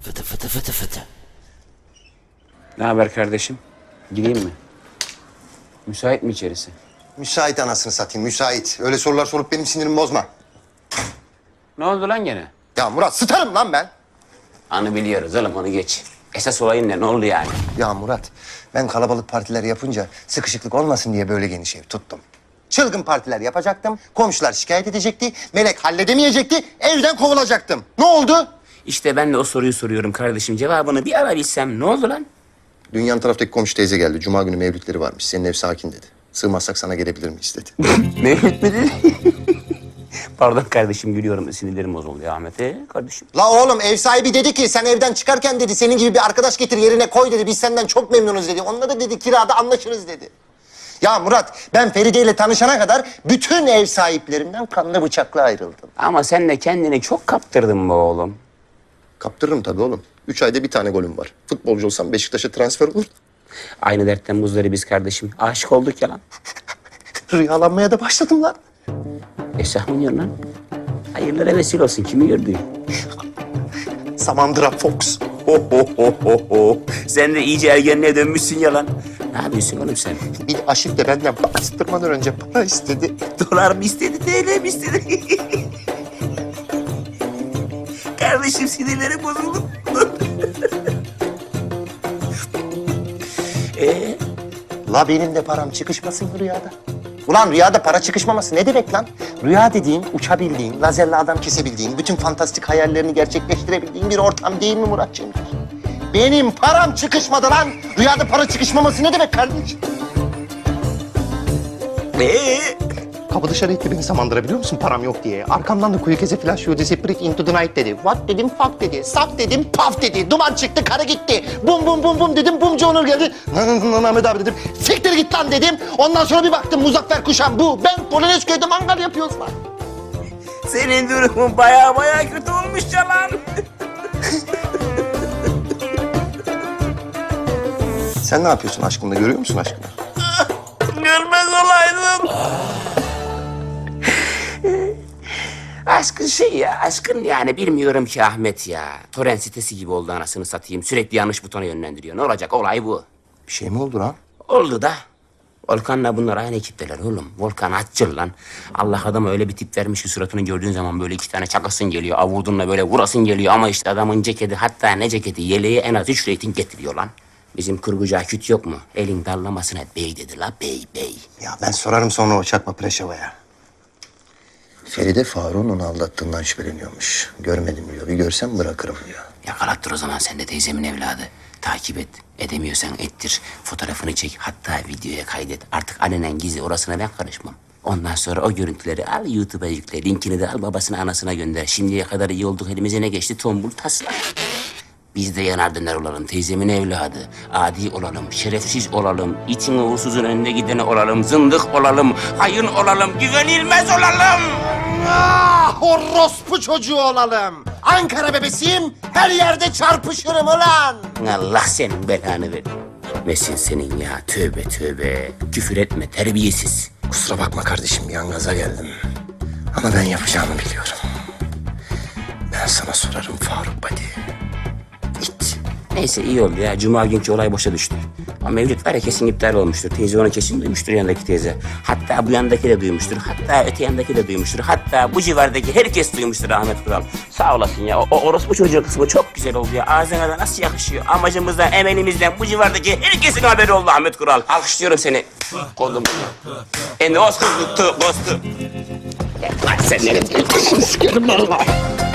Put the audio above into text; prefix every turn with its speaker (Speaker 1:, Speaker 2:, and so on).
Speaker 1: Fıtı fıtı fıtı fıtı.
Speaker 2: Ne haber kardeşim? Gireyim mi? Müsait mi içerisi?
Speaker 3: Müsait anasını satayım, müsait. Öyle sorular sorup benim sinirimi bozma.
Speaker 2: Ne oldu lan gene?
Speaker 3: Ya Murat, sıtarım lan ben.
Speaker 2: Anı biliyoruz oğlum, onu geç. Esas olayın ne oldu yani?
Speaker 3: Ya Murat, ben kalabalık partiler yapınca sıkışıklık olmasın diye böyle geniş ev tuttum. Çılgın partiler yapacaktım, komşular şikayet edecekti, Melek halledemeyecekti, evden kovulacaktım. Ne oldu?
Speaker 2: İşte ben de o soruyu soruyorum kardeşim. Cevabını bir ara bilsem ne oldu lan?
Speaker 3: Dünyanın taraftaki komşu teyze geldi. Cuma günü mevlütleri varmış. Senin ev sakin dedi. Sığmazsak sana gelebilir miyiz dedi.
Speaker 2: Mevlüt mü dedi? Pardon kardeşim, gülüyorum. Sinirlerim bozuldu ya Ahmet. Kardeşim.
Speaker 3: La oğlum, ev sahibi dedi ki sen evden çıkarken dedi senin gibi bir arkadaş getir yerine koy dedi. Biz senden çok memnunuz dedi. Onunla da dedi kirada anlaşırız dedi. Ya Murat, ben Feride ile tanışana kadar bütün ev sahiplerinden kanlı bıçakla ayrıldım.
Speaker 2: Ama sen de kendini çok kaptırdın be oğlum.
Speaker 3: Kaptırırım tabii oğlum. 3 ayda bir tane golüm var. Futbolcu olsam Beşiktaş'a transfer olur.
Speaker 2: Aynı dertten muzdarı biz kardeşim. Aşık olduk ya lan.
Speaker 3: Rüyalanmaya da başladım lan.
Speaker 2: Esah mı diyorsun lan? Hayırlara vesile olsun. Kimi gördün?
Speaker 3: Samandıra Fox.
Speaker 2: Sen de iyice ergenliğe dönmüşsün ya lan. Ne yapıyorsun oğlum sen?
Speaker 3: Bir aşık da benden bastırmadan önce para istedi.
Speaker 2: Dolar mı istedi, TL mi istedi? Kardeşim sinirlerim bozuldu.
Speaker 3: La benim de param çıkışmasın rüyada. Ulan rüyada para çıkışmaması ne demek lan? Rüya dediğin, uçabildiğin, lazerle adam kesebildiğin, bütün fantastik hayallerini gerçekleştirebildiğin bir ortam değil mi Muratcığım? Benim param çıkışmadı lan. Rüyada para çıkışmaması ne demek kardeşim? Kapı dışarı itti beni Samandıra, biliyor musun param yok diye. Arkamdan da kuyu keze flash you disappearing into the night dedi. What dedim, fuck dedi. Sak dedim, paf dedi. Duman çıktı, karı gitti. Bum bum bum bum dedim, bumcu Onur geldi. Ahmet abi dedim. Siktir git lan dedim. Ondan sonra bir baktım Muzaffer Kuşan bu. Ben Polonezköy'de mangal yapıyoruz lan.
Speaker 2: Senin durumun baya kötü olmuş ya lan.
Speaker 3: Sen ne yapıyorsun aşkımla, görüyor musun aşkını?
Speaker 2: Görmez olaydım. Aşkın şey ya, aşkın yani bilmiyorum ki Ahmet ya. Torrent sitesi gibi oldu anasını satayım. Sürekli yanlış butona yönlendiriyor. Ne olacak, olay bu.
Speaker 3: Bir şey mi oldu lan?
Speaker 2: Oldu da. Volkan'la bunlar aynı ekipteler oğlum. Volkan açıl lan. Allah adama öyle bir tip vermiş ki suratını gördüğün zaman böyle 2 tane çakasın geliyor. Avurdunla böyle vurasın geliyor ama işte adamın ceketi, hatta ne ceketi, yeleği en az 3 reyting getiriyor lan. Bizim kurgucu Aküt yok mu? Elin dallamasına bey dedi la, bey.
Speaker 3: Ya ben sorarım sonra o çakma Preşeva'ya. Feride Faruk'un onu aldattığından şüpheleniyormuş. Görmedim diyor. Bir görsem bırakırım diyor.
Speaker 2: Yakalattır o zaman sen de teyzemin evladı. Takip et. Edemiyorsan ettir. Fotoğrafını çek. Hatta videoya kaydet. Artık alenen gizli, orasına ben karışmam. Ondan sonra o görüntüleri al YouTube'a yükle. Linkini de al babasına anasına gönder. Şimdiye kadar iyi olduk, elimize ne geçti? Tombul tasla. Biz de yanar döner olalım, teyzemin evladı. Adi olalım, şerefsiz olalım, itin uğursuzun önünde gideni olalım, zındık olalım, hayın olalım, güvenilmez olalım.
Speaker 3: Ah, orospu çocuğu olalım. Ankara bebesiyim, her yerde çarpışırım ulan.
Speaker 2: Allah senin belanı ver. Nesin senin ya, tövbe. Küfür etme, terbiyesiz.
Speaker 3: Kusura bakma kardeşim, bir an gaza geldim. Ama ben yapacağımı biliyorum. Ben sana sorarım Faruk buddy.
Speaker 2: İt. Neyse iyi oldu ya, cuma günkü olay boşa düştü. Ama Mevlüt var ya, kesin iptal olmuştur. Teyze onu kesin duymuştur, yandaki teyze. Hatta bu yandaki de duymuştur. Hatta öte yandaki de duymuştur. Hatta bu civardaki herkes duymuştur Ahmet Kural. Sağ olasın ya. O orospu çocuğu kısmı çok güzel oldu ya. Ağzına da nasıl yakışıyor. Amacımızdan, emelimizden bu civardaki herkesin haberi oldu Ahmet Kural. Alkışlıyorum seni. Kolum. En os kızlıktı, bostu. Sen nereye? Sikerim valla.